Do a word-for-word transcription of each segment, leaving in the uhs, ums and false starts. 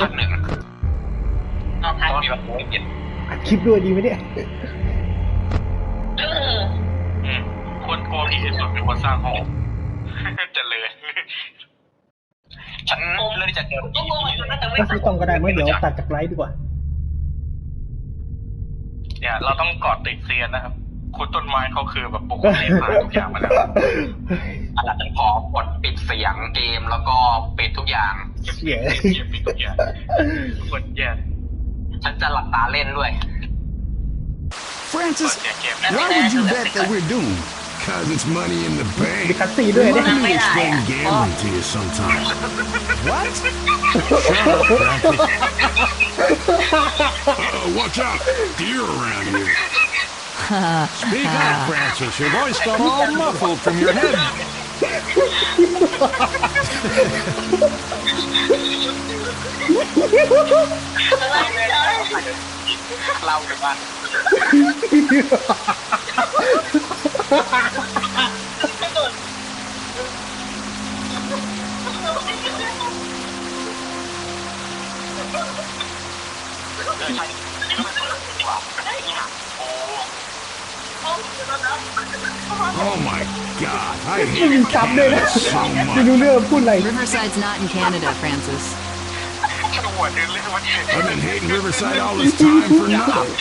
ภาคหนึ่งภาคมีแบบโอ้ยเปลี่ยนอัดคลิปด้วยดีไหมเนี่ยอืมคนกลัวผีที่สุดเป็นคนสร้างห้องเจริญฉันเลือกที่จะเจอผีก็ไม่ต้องก็ได้เมื่อเดี๋ยวตัดจากไลฟ์ดีกว่าเนี่ยเราต้องกอดติดเซียนนะครับคุณต้นไม้เขาคือแบบปลุกเสกผ่านทุกอย่างมาแล้วอาจจะขอกดปิดเสียงเกมแล้วก็ปิดทุกอย่างเสียปิดทุกอย่างกดแย่ฉันจะหลับตาเล่นด้วย Francis, why would you bet that we're doomed? Cause it's money in the bank. มีคัสซีด้วยเนี่ย Let me explain gambling to you sometime. What? Shut up, Francis. Uh-oh, watch out. Deer around here. Speak up, Francis. Your voice got all muffled from your head. เล่ากันว่า Oh my God! I ไม่มี hate ซับด้วยนะ Canada so ไม่รู้ much. เรื่องพูดอะไร Riverside's not in Canada, Francis. I've been hating Riverside all this time for nothing.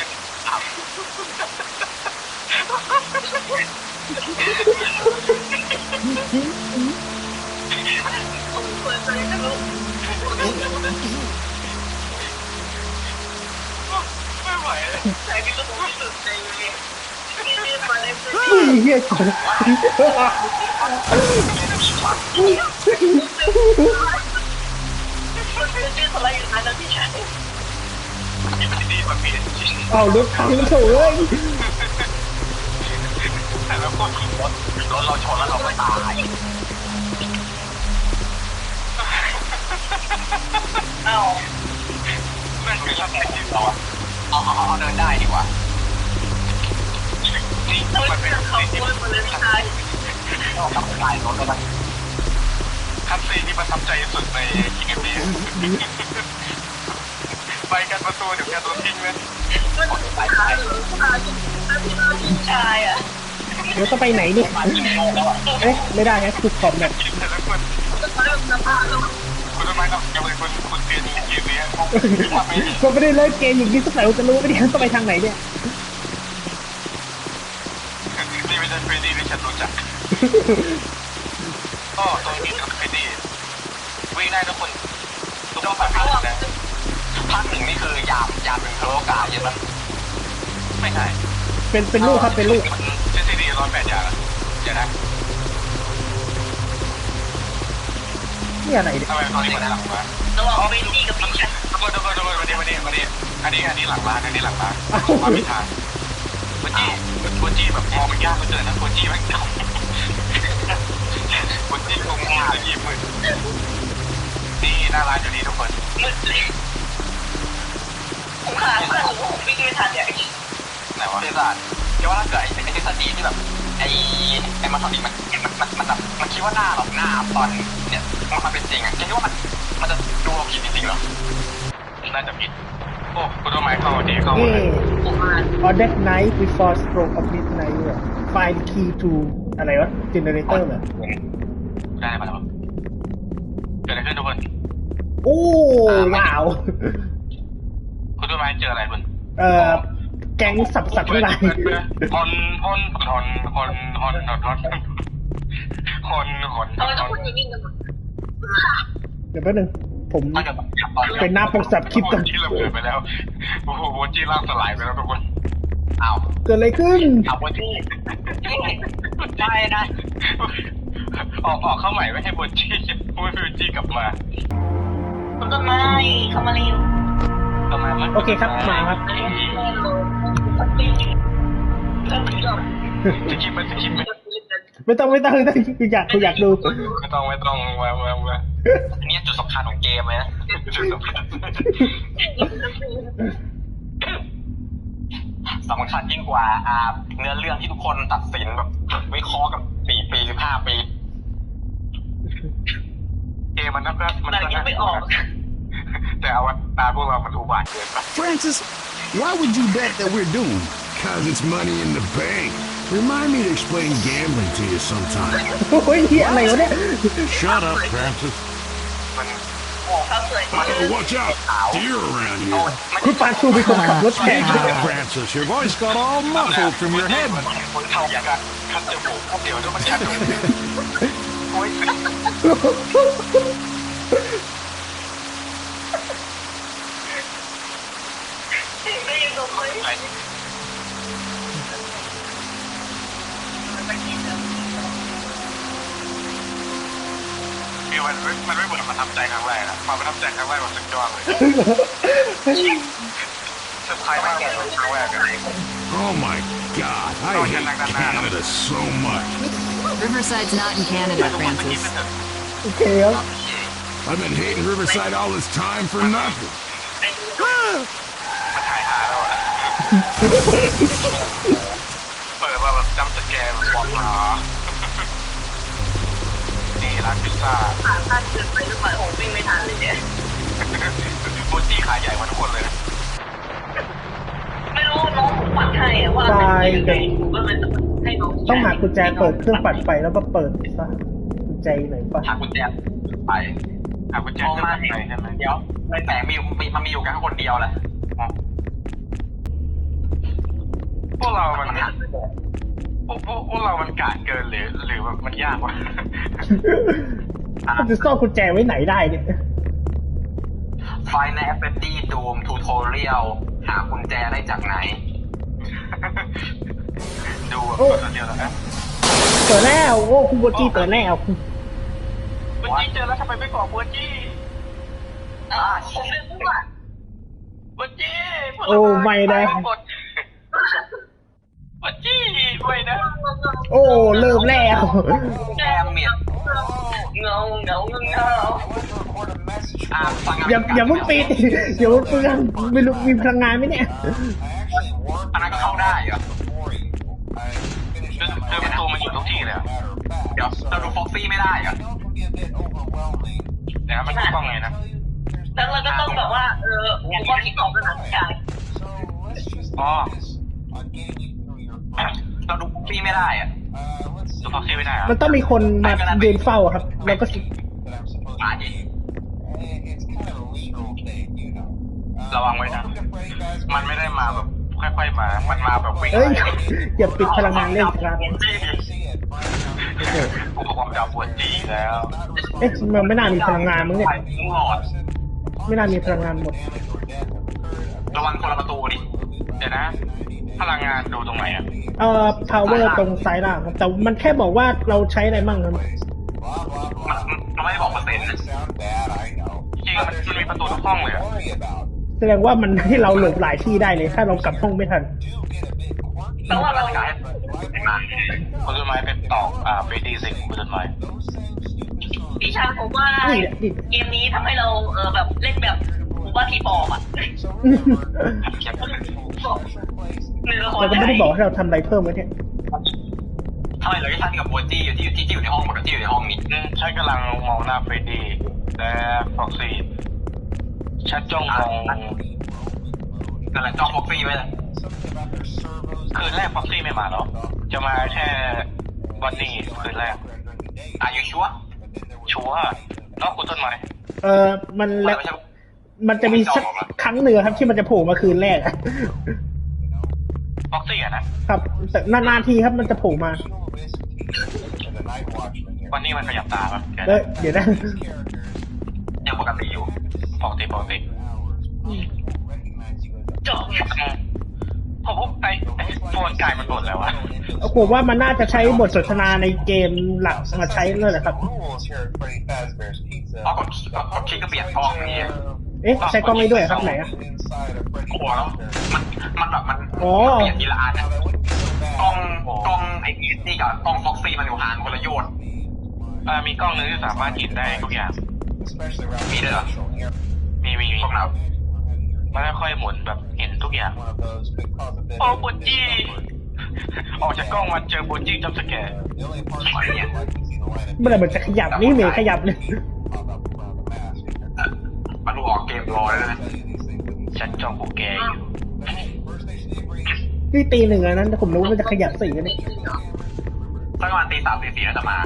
เฮียก่อนเอารถพังโถ่เลยแต่แล้วก็ขี่รถรถเราชนแล้วเราไม่ตายเอ้านั่นคือทำไงที่เราเอาเอาเอาเดินได้ดีกว่านี่มันเป็นสิ่งที่มันเลยไม่ได้เราทำลายรถแล้วนะคันซีที่ประทับใจสุดในคิงเกมนี้ไปกันประตูเดี๋ยวแกตัวทิ้งเลยไปไปชายอ่ะเดี๋ยวต้องไปไหนนี่เอ๊ะไม่ได้ฮะคือขอบแบบคุณทำไมต้องยังเป็นคนคุณเตียนเกมนี้ก็ไม่ได้เล่นเกมอย่างนี้สักหน่อยจะรู้ไม่ได้ต้องไปทางไหนเนี่ยนี่ไม่ใช่เฟรดดี้ที่ฉันรู้จักก็ตัวนี้กับเฟรดดี้วิ่งได้ทุกคนทุกคนภาคหนึ่งนะภาคหนึ่งนี่คือยามยามเป็นโครกาใช่ไหมไม่ใช่เป็นเป็นลูกครับเป็นลูกเจสซี่ดีร้อยแปดอย่างเดี๋ยวนะนี่อะไรเนี่ยทำไมตอนนี้มันหลังมาระหว่างเฟรดดี้กับพิชชั่นทุกคนทุกคนทุกคนมาดิมาดิมาดิอันนี้อันนี้หลังร้านอันนี้หลังร้านมาพิธาโคจิโคจิแบบมองมันยากเหลือเกินนะโคจิมันเก่าโคจิคงง่ายยิ้มมือนี่หน้าร้านอยู่นี่ทุกคนผมขาดเพื่อนผมวิ่งไม่ทันเนี่ยไหนวะเทศาสตร์แค่ว่าถ้าเกิดไอ้ไอ้ทฤษฎีที่แบบไอ้ไอ้มาทำอีกมันมันมันมันแบบมันคิดว่าหน้าหรอกหน้าตอนเนี่ยมันเป็นจริงอ่ะคิดว่ามันมันจะดูเราผิดจริงๆหรอน่าจะผิดโอ้คุณต้นไม้เข้าดีเข้ามา On that night before stroke of midnight เนี่ย find key to อะไรวะ generator เหรอได้มาแล้วเกิดอะไรขึ้นทุกคนโอ้ว้าวคุณต้นไม้เจออะไรคุณเอ่อแก๊งสับสับทั้งหลายฮอนฮอนฮอนฮอนฮอนฮอนฮอนฮอนฮอนฮอนเดี๋ยวแป๊บนึงผมเป็นหน้าปกสับคลิปก่อนที่ระเบิดไปแล้วโอ้โหโบจี้ล่างสลายไปแล้วทุกคนอ้าวเกิดอะไรขึ้นอ้าวโบจี้ใช่นะออกออกเข้าใหม่ไม่ให้โบจี้โบจี้กลับมาคุณต้นไม้เข้ามาเร็วทำไมมันโอเคครับมาครับสกิปมันสกิปมันไม่ต้องไม่ต้องไม่ต้องกูอยากกูอยากดูไม่ต้องไม่ต้องมามามาอันนี้จุดสำคัญของเกมเลยนะจุดสำคัญสำคัญยิ่งกว่าอ่าเนื้อเรื่องที่ทุกคนตัดสินแบบวิเคราะห์กับสี่ปีสิบห้าปีเกมมันก็มันก็ไม่ออกแต่แต่เอาตาพวกเรามันอุบาทเกินไป Francis, why would you bet that we're doomed? Cause it's money in the bank. Remind me to explain gambling to you sometime. โอ้ยเฮียอะไรวะเนี่ย Shut up, Francis. มันเขาสวย Oh, watch out! Deer around here. คุณปาชูเป็นคนขับรถแข่ง Ah, Francis, your voice got all muffled from your head. คนเท่าอย่างกันคัดจมูกเดี๋ยวต้องมันคัดจมูกโอ้ยได้ยินตัวเขาไหมคือมันมันไม่เหมือนประทับใจครั้งแรกอะมาประทับใจครั้งแรกมันสุดยอดเลยเซอร์ไพรส์มากเลยครั้งแรกอะ Oh my God, I hate Canada so much. Riverside's not in Canada, Francis. โอเคครับ I've been hating Riverside all this time for nothing. มาถ่ายหาแล้วอะเปิดว่าแบบจำสแกนบอกมานี่ร้านพิซซ่าขาสั้นเกินไปหรือเปล่าโอ้วิ่งไม่ทันเลยเนี่ยโมจิขายใหญ่กว่าทุกคนเลยนะไม่รู้น้องผมปัดให้อะว่าเป็นยังไงผมก็เลยให้น้องต้องหากุญแจเปิดเครื่องปัดไฟแล้วก็เปิดซะกุญแจอยู่ไหนปะหากุญแจไปหากุญแจเครื่องไปใช่ไหมเดี๋ยวไม่แต่มีมีมันมีอยู่แค่คนเดียวแหละพวกเรามันพวกพวกพวกเรามันกาดเกินหรือหรือแบบมันยากวะมันจะซ่อนกุญแจไว้ไหนได้เนี่ยไฟในแอปเปิลดี้ดูมทูทอเรียลหากุญแจได้จากไหน ดูแบบเดียวแล้วนะเปิดแล้วโอ้คุณโบจี้เปิดแล้วบัวจี้เจอแล้วทำไมไม่บอกบัวจี้อ่าผมไม่รู้อ่ะบัวจี้โอ้ไม่นะบัวจี้ไม่นะโอ้เริ่มแล้วแกมเมียเงาเงาเงาเงาอ่าฟังอย่าอย่าเพิ่งปิดเดี๋ยวเปลืองไม่รู้มีพลังงานไหมเนี่ยอันนั้นก็เข้าได้เหรอคือประตูมันอยู่ทุกที่เลยเดี๋ยวเราดูฟ็อกซี่ไม่ได้เหรอเดี๋ยวมันกล้องไงนะแล้วเราก็ต้องแบบว่าเออผมก็คิดออกแล้วนะใช่อ๋อเราดูฟ็อกซี่ไม่ได้อะดูฟ็อกซี่ไม่ได้อะมันต้องมีคนมายืนเฝ้าครับ แล้วก็อ่าดิระวังไว้นะมันไม่ได้มาแบบค่อยๆมา มันมาแบบวิ่งเอ้ยอย่าปิดพลังงานเล่นครับอุปกรณ์จับปวดจี้แล้วเอ๊ะมันไม่น่ามีพลังงานมั้งเนี่ยหลอดไม่น่ามีพลังงานหมดระวังคนละประตูดิ เดี๋ยวนะ พลังงานดูตรงไหนอ่ะเอ่อ power ตรงซ้ายล่างครับแต่มันแค่บอกว่าเราใช้อะไรมั่งครับมันมันไม่ได้บอกเปอร์เซ็นต์นะจริงๆมันมันมีประตูทุกห้องเลยอะแสดงว่ามันให้เราหลบหลายที่ได้เลย ถ้าเรากลับห้องไม่ทันแต่ว่าเราคุณต้นไม้เป็นตอกอ่าเฟรดี้สิคุณต้นไม้ดิฉันผมว่าเกมนี้ทำให้เราเออแบบเล่นแบบผมว่าทีปอบอ่ะเราก็ไม่ได้บอกให้เราทำอะไรเพิ่มไว้เนี่ยทำไมเราไม่ทันกับโบจี้อยู่ที่ที่ที่อยู่ในห้องหมดที่อยู่ในห้องนี้ฉันกำลังมองหน้าเฟรดดี้และฟ็อกซี่ฉันจ้องมองนั่นแหละจ้องฟ็อกซี่ไว้เลยคืนแรกฟ็อกซี่ไม่มาหรอจะมาแค่วันนี้คืนแรกอายุชัวชัวเนาะคุณต้นไม้เออมันแล้วมันจะมีสักครั้งหนึ่งครับที่มันจะโผล่มาคืนแรกอะฟ็อกซี่อะนะครับแต่นานๆทีครับมันจะโผล่มาวันนี้มันขยับตาป่ะเออเดี๋ยวนะยังปกติอยู่ปกติปกติจบผมพบไอ้โฟนกายมันหมดแล้ววะผมว่ามันน่าจะใช้บทสนทนาในเกมหลักมาใช้เลยแหละครับเอากดกดคลิกก็เปลี่ยนกล้องนี่เอ๊ะใช้กล้องนี้ด้วยครับไหนอะกลัวแล้วมันมันแบบมันอ๋อเปลี่ยนทีละอันอะกล้องกล้องไอ้นี่กับกล้องฟ็อกซี่มันอยู่ห่างคนละโยชน์อ่ามีกล้องนึงที่สามารถเห็นได้ทุกอย่างมีด้วยเหรอมีมีมีกล้องไหนมันค่อยๆหมุนแบบเห็นทุกอย่างโอ้โบจี้ออกจากกล้องมาเจอโบจี้จับสแกร์เนี่ยเมื่อไหร่มันจะขยับนี่เมย์ขยับเลยมาดูออกเกมรอเลยนะฉันจ้องพวกแกอยู่นี่ตีหนึ่งแล้วนั้นแต่ผมรู้ว่ามันจะขยับสี่กันนี่สักประมาณตีสามตีสี่น่าจะมา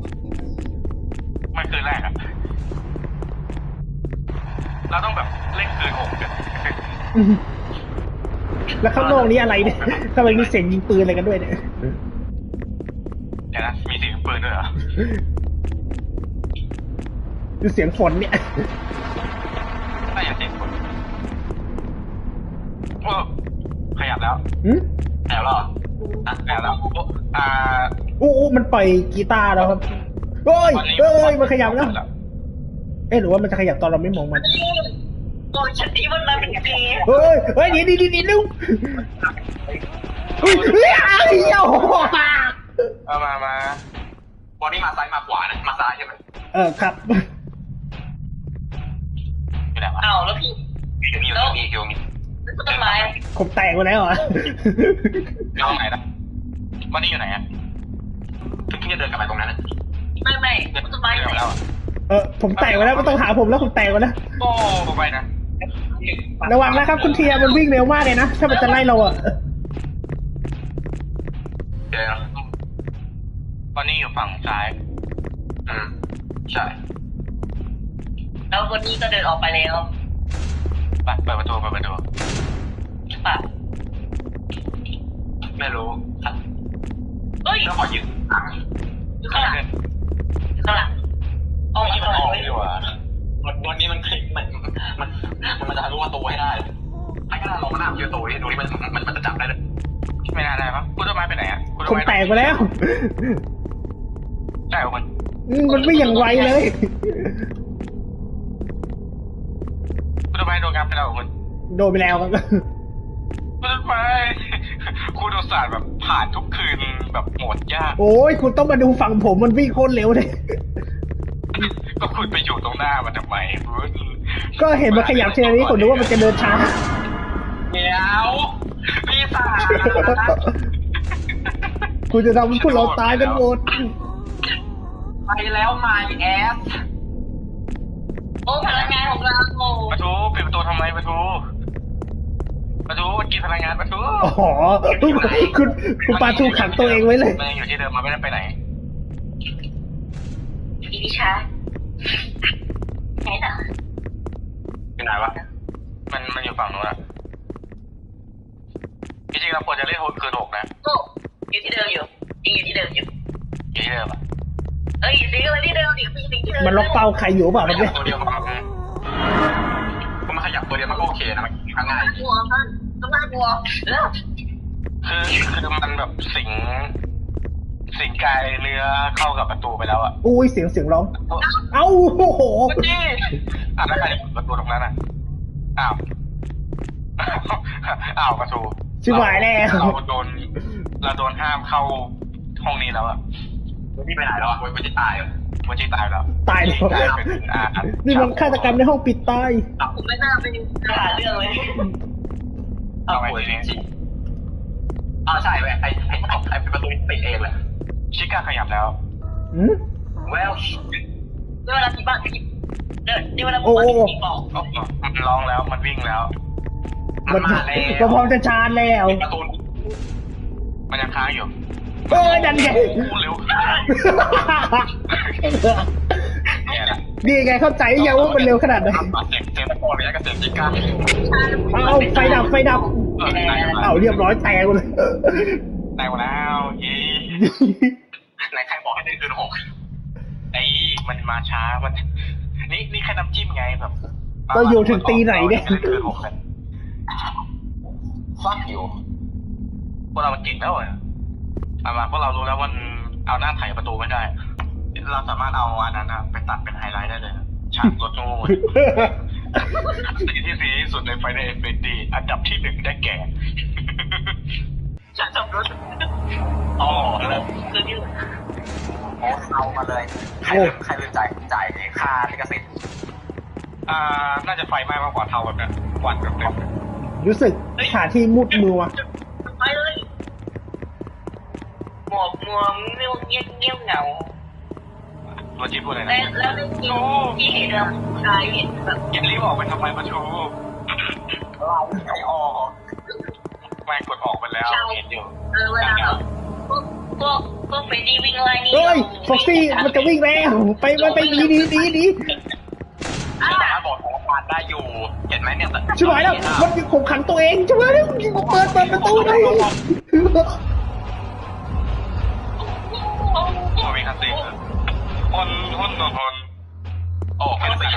ไม่คืนแรกอะเราต้องแบบเล่นคืนหกกันแล้วข้างนอกนี้อะไรเนี่ยทำไมมีเสียงยิงปืนอะไรกันด้วยเนี่ยเดี๋ยวนะมีเสียงปืนด้วยเหรอดูเสียงฝนเนี่ยน่าจะเสียงปืนโอ้ขยับแล้วอืมขยับแล้วเหรออ่ะขยับแล้วโอ้อ่าอู้อู้มันปล่อยกีตาร์แล้วครับเฮ้ยเฮ้ยมันขยับแล้ว เอ๊ะหรือว่ามันจะขยับตอนเราไม่มองมันโอ้ฉันที่มันมาเป็นปีเฮ้ยเฮ้ยดีดีดีดีลูกอุ้ยเฮ้ยอ้าวเหี้ยโอ้โหเอามามาวันนี้มาซ้ายมาขวานะมาซ้ายใช่ไหมเออครับอยู่ไหนวะอ้าวแล้วพี่อยู่นี่อยู่นี่อยู่นี่ต้นไม้ผมแตกไปแล้วเหรออยู่ห้องไหนนะวันนี้อยู่ไหนอ่ะเพิ่งจะเดินกลับไปตรงนั้นนะไม่ไม่ต้นไม้เดินมาแล้วอ่ะเออผมแตกไปแล้วไม่ต้องหาผมแล้วผมแตกไปแล้วโอ้ไปนะระวังนะครับคุณเทียมันวิ่งเร็วมากเลยนะถ้ามันจะไล่เราอ่ะเดี๋ยววันนี้อยู่ฝั่งซ้ายอืมใช่แล้ววันนี้ก็เดินออกไปแล้วไปเปิดประตูเปิดประตูป่ะไม่รู้เฮ้ยแล้วขอยืมตังค์อยู่ข้างหลังอยู่ข้างหลังออกวันมานี้ข้ามันงหอลังอกดีกว่าวันวันนี้มันคลิกมันมันมันจะทะลุประตูให้ได้ไอ้ขนาดลงมาหน้าประตูนี่ดูนี่มันมันมันจะจับได้เลยไม่น่าได้ปะคุณต้นไม้ไปไหนอ่ะผมแตกไปแล้วใช่คุณอืมมันไม่อย่างไวเลยคุณต้นไม้โดนงับไปแล้วคุณโดนไปแล้วครับคุณต้นไม้คุณอุตส่าห์แบบผ่านทุกคืนแบบโหมดยากโอ้ยคุณต้องมาดูฝั่งผมมันวิ่งโคตรเร็วเลยก็คุณไปอยู่ตรงหน้ามันทำไมคุณก็เห็นมันขยับเช่นนี้ผมนึกว่ามันจะเดินช้าเดี๋ยวพี่สาวคุณจะทำให้พวกเราตายกันหมดไปแล้วไมแอสโอ้พลังงานของเราโอ้ประตูปิดประตูทำไมประตูประตูมันกินพลังงานประตูอ๋อคุณคุณคุณปาทูขังตัวเองไว้เลยมันยังอยู่ที่เดิมมันไม่ได้ไปไหนดีดิชาไหนน่ะอยู่ไหนวะมันมันอยู่ฝั่งนู้นอะจริงๆเราควรจะเล่นโฮคืนหกนะโอ้อยู่ที่เดิมอยู่ยังอยู่ที่เดิมอยู่อยู่ที่เดิมอะเอ้ยสิอะไรที่เดิมดิพี่สิที่เดิมมันล็อกเป้าใครอยู่เปล่าขมันยัเนี่บยตัวเดียวมันก็มันขยับตัวเดียวมันก็โอเคนะมันง่ายกลัวมันต้องน่ากลัวเออคือคือมันแบบสิงสิงกายเนื้อเข้ากับประตูไปแล้วอะอุ้ยเสียงเสียงร้อง เอ้าโอ้โหมันนี่อ่ะแล้วใครจะเปิดประตูตรงนั้นอ่ะอ้าวอ้าวประตูชิบหายแล้วเราโดนเราโดนห้ามเข้าห้องนี้แล้วอะวันนี้ไปไหนแล้วอะวันที่ตายอะวันที่ตายแล้วตายแล้วกลายเป็นอ่านี่มันฆาตกรรมในห้องปิดตายผมไม่น่าเป็นหาเรื่องเลยเอาไปทีนี้อ๋อใช่เว้ยไอ้ไอ้ไอ้ประตูปิดเองเลยชิก้าขยับแล้วอืมเวลเวลาที่บ้านพี่เดินที่เวลาผมมาที่บอกมันร้องแล้วมันวิ่งแล้วมันมาแล้วมันพร้อมจะชาร์จแล้วประตูมันยังค้างอยู่เอ้ยดันไงโอ้โหเร็วเนี่ยแหละดีไงเข้าใจยังว่ามันเร็วขนาดไหนเสียงเสียงตะโกนเลยกับเสียงชิก้าเอาไฟดับไฟดับเออได้แล้วเอาเรียบร้อยแตกหมดเลยได้หมดแล้วยี่ไหนใครบอกให้ได้คืนหกไอ้มันมาช้ามันนี่นี่แค่น้ำจิ้มไงแบบเราอยู่ถึงตีไหนเนี่ยฟักอยู่พวกเรามันเก่งแล้วเหรอเอามาพวกเรารู้แล้วว่าเอาหน้าไถประตูไม่ได้ เราสามารถเอาอันนั้นไปตัดเป็นไฮไลท์ได้เลยฉากรถโง่สีที่สีที่สุดในไฟในเอฟเอดีอันดับที่หนึ่งได้แก่ฉันขับรถอ๋อแล้วคือที่โอ้เอามาเลยใครใครเป็นจ่ายจ่ายค่าลิขสิทธิ์อ่าน่าจะไฟไหม้มากกว่าเทาแบบนั้นควันแบบนั้นรู้สึกหาที่มุดมือวะไปเลยหมวกมัวเงี้ยวเงี้ยวเงี้ยวเหงาตัวจีพูดอะไรแล้นะวแล้วได้ยินที่เห็นแบบชายเห็นแบบยินรีบออกไปทำไมประชูไอออกแม่งกดออกไปแล้วเห็นอยู่เออเวลาแบบพวกพวกพวกเฟรดดี้วิ่งไล่นี่เฮ้ยฟ็อกซี่มันจะวิ่งแล้วไปมันไปดีดีดีดีอ่ะสามารถบอกสถานการณ์ได้อยู่เห็นไหมเนี่ยชิบหายแล้วมันข่มขังตัวเองชิบหายแล้วเปิดเปิดประตูได้ตัวมีคัสซีนคนคนต่อคนโอ้คัสซีน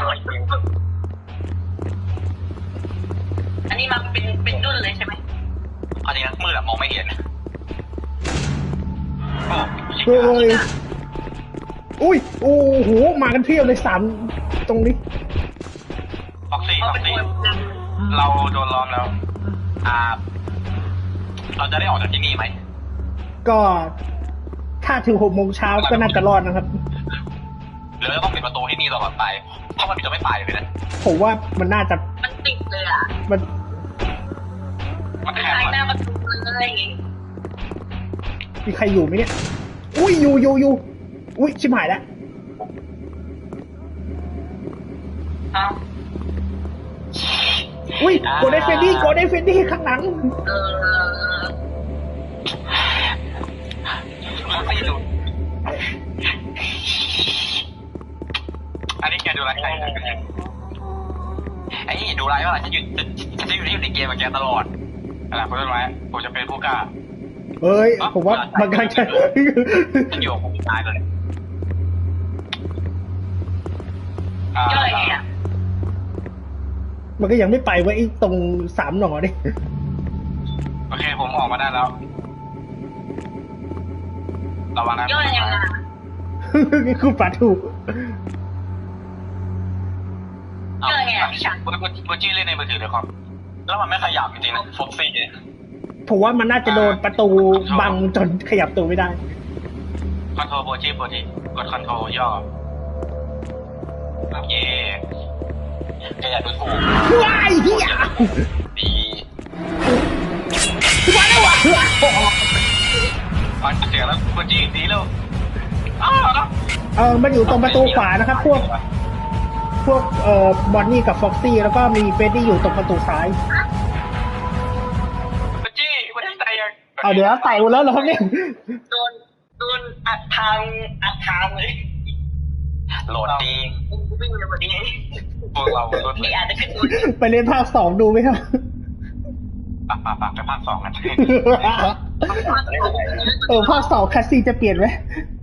อันนี้มาเป็นเป็นดุนเลยใช่ไหมอันนี้นะมืดอะมองไม่เห็นโอ้เฮ้ยอุ้ยโอ้โหมากันเพียบเลยสามตรงนี้ฟ็อกซี่เขาฟ็อกเป็นซี่คนนเราโดนล้อมแล้ว อ่า เราจะได้ออกจากที่นี่ไหมก็ถ้าถึงหกโมงเช้าก็น่าจะรอดนะครับหรือเราต้องปิดประตูที่นี่ตลอดไปถ้ามันปิดจะไม่ไปเลยนะผมว่ามันน่าจะำมันติดเลยอ่ะมันมันเป็นแข็งทางมันหน้าประตูเลยมีใครอยู่ไหมเนี่ย อุ้ยอยู่อยู่อยู่อุ้ยชิบหายแล้วเอ้าอุ้ยโกลเด้นเฟนดี้โกลเด้นเฟนดี้ข้างหลังเออมันไม่ดูอันนี้แกดูไรใครไอ้นี่ดูไรว่าอะไรฉันอยู่ฉันจะอยู่ที่อยู่ในเกมกับแกตลอดอะไรคุณรู้ไหมผมจะเป็นผู้กล้าเฮ้ย ผมว่ามันกำลังจะฉันอยู่กับผมตายเลยย่อยไงอ่ะมันก็ยังไม่ไปเว้ยไอ้ตรงสามหน่อดิโอเคผมออกมาได้แล้วระวังนะย่อยยังไงคือปลาถูกย่อยไงอ่ะพี่ชันคุณคุณจี้เล่นในมือถือเลยครับแล้วมันไม่ขยับจริงๆนะฟ็อกซี่ผมว่ามันน่าจะโดนประตูบังจนขยับตัวไม่ได้คอนโทรลโปรจี้โปรจี้กดคอนโทรลย่อโอเคแกอยากดูถูกว้ายเฮียดีมาแล้วว่ะฟังเสียงแล้วโปรจี้ดีแล้วอ้าวเออมันอยู่ตรงประตูขวานะครับ พวก พวกเอ่อบอนนี่กับฟ็อกซี่แล้วก็มีเฟรดดี้อยู่ตรงประตูซ้ายโปรจี้โปรจี้ตายยังเอาเดี๋ยวไต่หมดแล้วเหรอครับเนี่ยโดนโดนอัดทางอัดทางเลยโหลดดีวิ่งเร็วกว่านี้พวกเรารถพี่อาจจะขึ้นบนไปเล่นภาคสองดูไหมครับปะปะปะไปภาคสองกันเออภาคสองคัสซีจะเปลี่ยนไหม